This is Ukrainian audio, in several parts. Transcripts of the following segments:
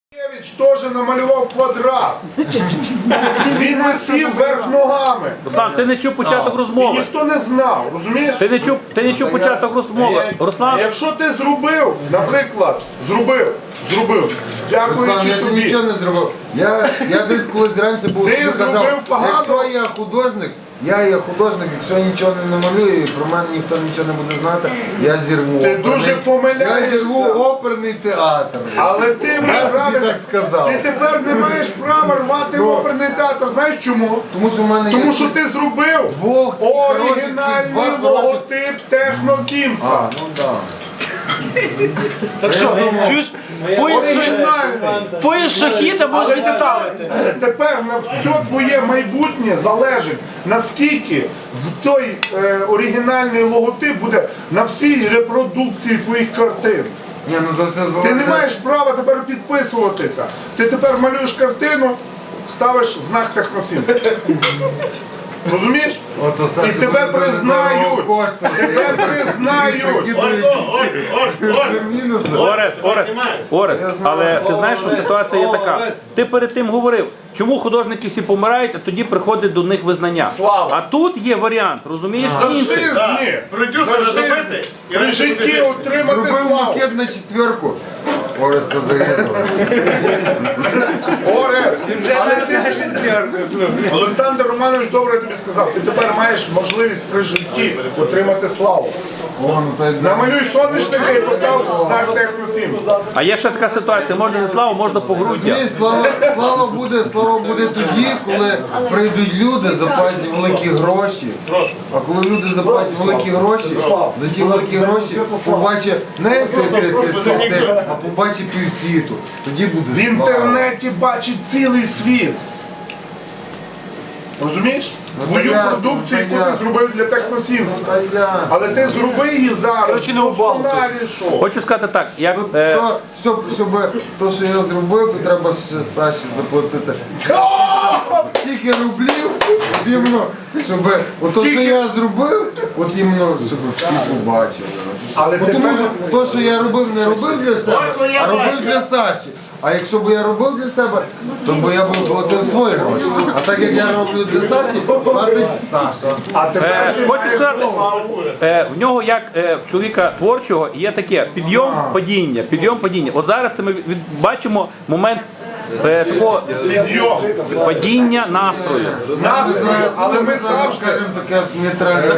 Теж намалював квадрат. Він висів вверх ногами. Руслан, ти не чув початок І розмови. ніхто не знав, розумієш? Ти не чув початок розмови. Руслан, Якщо ти зробив, наприклад, зробив, дякуючи Руслан, я тобі. нічого не зробив. Я десь колись раніше був Ти тобі казав, зробив погано. якщо я художник, я є художник, якщо я нічого не намалюю, і про мене ніхто нічого не буде знати, я зірву Ти оперний. дуже помиляєшся. Я зірву оперний театр. Але ти Я маєш тобі правильно. так сказав. Ти тепер не маєш права рвати Ну. оперний театр. Знаєш чому? Тому що в мене Тому є... що ти зробив Двох оригінальний хороших, два логотип Техно Сімса. А, ну так. Так що, чуєш, поїзд шахіда може деталити. Тепер на все твоє майбутнє залежить, наскільки той оригінальний логотип буде на всій репродукції твоїх картин. Ні, ну то все Ти не залежить. маєш права тепер підписуватися. Ти тепер малюєш картину, ставиш знак Техносім. Розумієш? Ото все, І що тебе буде признають. дорого коштує. Тебе признають. Це мінуси. Орес, але ти знаєш, що ситуація є така. Ти перед тим говорив, чому художники всі помирають, а тоді приходить до них визнання. Слава. А тут є варіант, розумієш, інший. Зажизни. добити. При житті отримати Зробив славу. макет на четверку. Орес це загинуло. Орес, але ти... Олександр Романович добре тобі сказав, ти тепер маєш можливість при житті отримати славу. О, ну, то й Намалюй соняшника і постав знак Техносім. А є ще така ситуація, можна не славу, можна погруддя. Розумієш, слава буде тоді, коли прийдуть люди, заплатять великі гроші. А коли люди заплатять великі гроші, за ті великі гроші побачить не ти, а побачить півсвіту. Тоді В буде слава. інтернеті бачить цілий світ. Розумієш? Ну, Твою понятно, продукцію, яку ти понятно. зробив для Техносім. Та я. Але ти зроби її зараз. не у балку. Досконалішу. Хочу сказати так, як... Щоб то, що я зробив, то треба ще Саші заплатити. Скільки рублів, от іменно, щоб от то, що я зробив, от іменно, щоб всі побачили. Але Бо тому тепер- що то, що я робив, не робив для себе, а робив для Саші. А якщо б я робив для себе, то б я б платив свої гроші. А так як я роблю для Саші, платить Саша. А тепер ти Хочу маєш сказати, славу. в нього як в чоловіка творчого є таке підйом-падіння, підйом-падіння. От зараз це ми бачимо момент такого Підйом. падіння настрою. Настрою, але ми завжди... Скажімо таке нейтральне.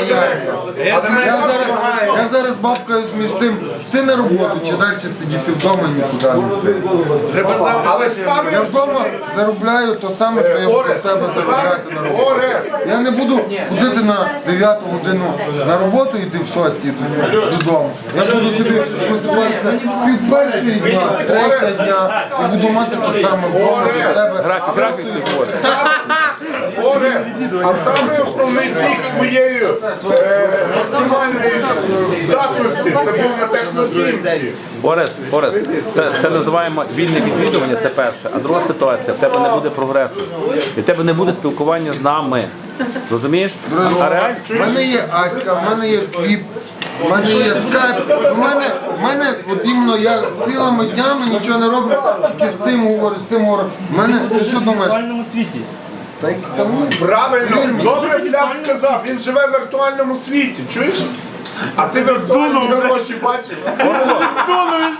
Я зараз бабкаюсь між тим, ти на роботу чи далі сидіти вдома і нікуди не йти. Але Я ставиш вдома заробляю то саме, що я буду в тебе заробляти на роботу. Я не буду ходити на 9 годину на роботу, йти в 6 додому. Я буду тобі просуватися пів першої дня, третя дня, і буду мати те саме вдома для тебе. Графік творчий. Оре, а саме основний пік своєї максимальної здатності це був на Техносімці. Орес, це називаємо вільне відвідування, це перше. А друга ситуація, в тебе не буде прогресу. І в тебе не буде спілкування з нами. Розумієш? А реально? В мене є Аська, в мене є кліп, в мене є скайп, в мене от іменно я цілими днями нічого не роблю, тільки з тим говорю, з тим говорю. В мене, ти що думаєш? світі. Та й там ні. Правильно, добре Бляв сказав, він живе в віртуальному світі, чуєш? А ти віртуальні гроші бачиш?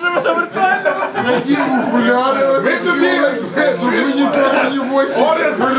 Надів окуляри, Ми тобі- щоб мені там не Оре,